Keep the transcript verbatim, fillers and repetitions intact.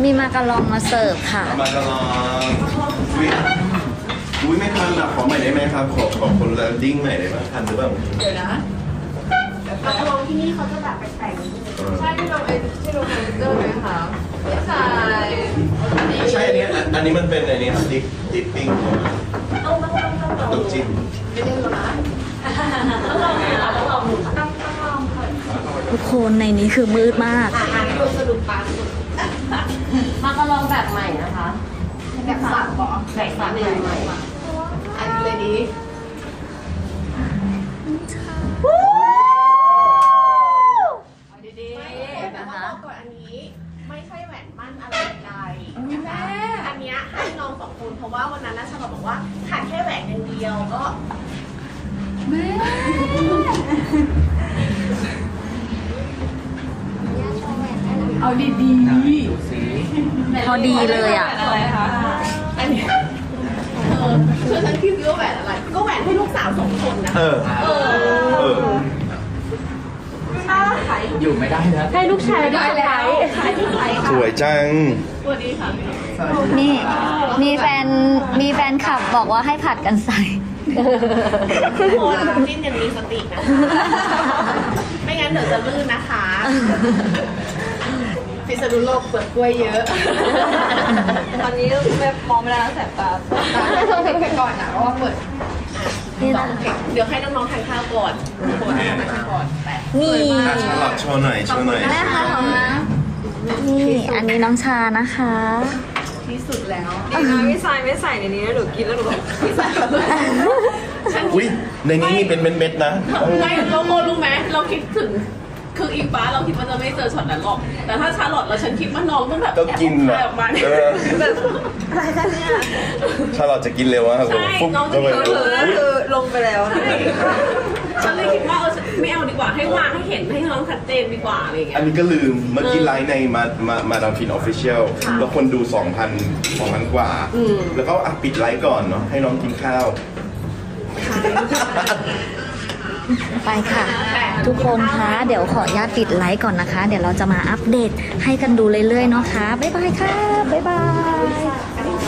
มีมากะลองมาเสิร์ฟค่ะเอามากระลองอุ้ยอุ้ยไม่ทันอ่ะขอใหม่ได้ไหมครับขอขอคนละดิ้งใหม่ได้ไหมทันหรือเปล่าเดี๋ยวนะมากระลองที่นี่เขาจะแบบแปลกๆนิดนึงเออใช่ที่ลงไอ้ที่ลงคอมพิวเตอร์ไหมคะไม่ใช่ไม่ใช่อันนี้อันอันนี้มันเป็นอันนี้ครับดิปดิปปิ้งเอามาลองลองลองตุ๊กจิ้มไม่ได้หรอนะต้องลองค่ะต้องลองต้องต้องลองค่ะทุกคนในนี้คือมืดมากอ่านดูสรุปปากสุดมากระลองแบบใหม่นะคะแบบสับบอกแบบสามแบบใหม่อันนี้เลยดีดีแต่ว่าบอกก่อนอันนี้ไม่ใช่แหวนมั่นอะไรใดนะคะอันเนี้ยให้น้องสองคนเพราะว่าวันนั้นน่าชาบอกว่าขาดแค่แหวนอย่างเดียวก็เอาดีดีพอดีเลยอ่ะอะไรคะอันเนี้ยเออคือฉันคิดว่าแหวนอะไร ก็แหวนให้ลูกสาวสองคนนะเออเออเอออยู่ไม่ได้นะให้ลูกชายได้แล้วขายที่ไหนสวยจังสวัสดีค่ะนี่มีแฟนมีแฟนคลับบอกว่าให้ผัดกันใส่ทุกคนจิ้นอย่างมีสตินะคะ ไม่งั้นเดี๋ยวจะลื่นนะคะพิษณุโลกเปลือกกล้วยเยอะตอนนี้แบบมองไม่ได้แล้วแสบตาต้องเด็กไปก่อนนะเพราะว่าเปิดนี่นะคะเดี๋ยวให้น้องๆทานข้าวก่อนทุกคนทานข้าวก่อนแต่นี่อ่ะชาลอตโชว์หน่อยโชว์หน่อยแม่คะของนะนี่อันนี้น้องชานะคะที่สุดแล้วดีนะพี่สายไม่ใส่ในนี้หนูกินแล้วหนูแบบที่สุดฉันอุ้ยในนี้มีเป็นเม็ดๆนะไม่เราโมรู้ไหมเราคิดถึงคืออีฟ้าเราคิดว่าจะไม่เจอช็อตนั้นหรอก แต่ถ้าชาลอตเราฉันคิดว่าน้องต้องแบบก็กินแอบอ่ะออกมาเนี่ยเออแบบอะไรกันเนี่ยชาลอตจะกินเร็วอะครับผมใช่ปุ๊บน้องจะเข้าไปกินเร็วอุ๊ยคือลงไปแล้วนะฉันเลยคิดว่าเออไม่เอาดีกว่าให้วางให้เห็นให้น้องชัดเจนดีกว่าอะไรอย่างเงี้อัยนนี้ก็ลืมเมื่อกี้ไลฟ์ในมามามาดามฟินออฟฟิเชียลค่ะแล้วคนดู 2,000 2,000 กว่าอืมแล้วก็อ่ะปิดไลฟ์ก่อนเนาะให้น้องกินข้าวไปค่ะ ทุกคนคะเดี๋ยวขออนุญาตปิดไลฟ์ก่อนนะคะ เดี๋ยวเราจะมาอัปเดตให้กันดูเรื่อยๆเนาะคะบ๊ายบายค่ะบ๊ายบาย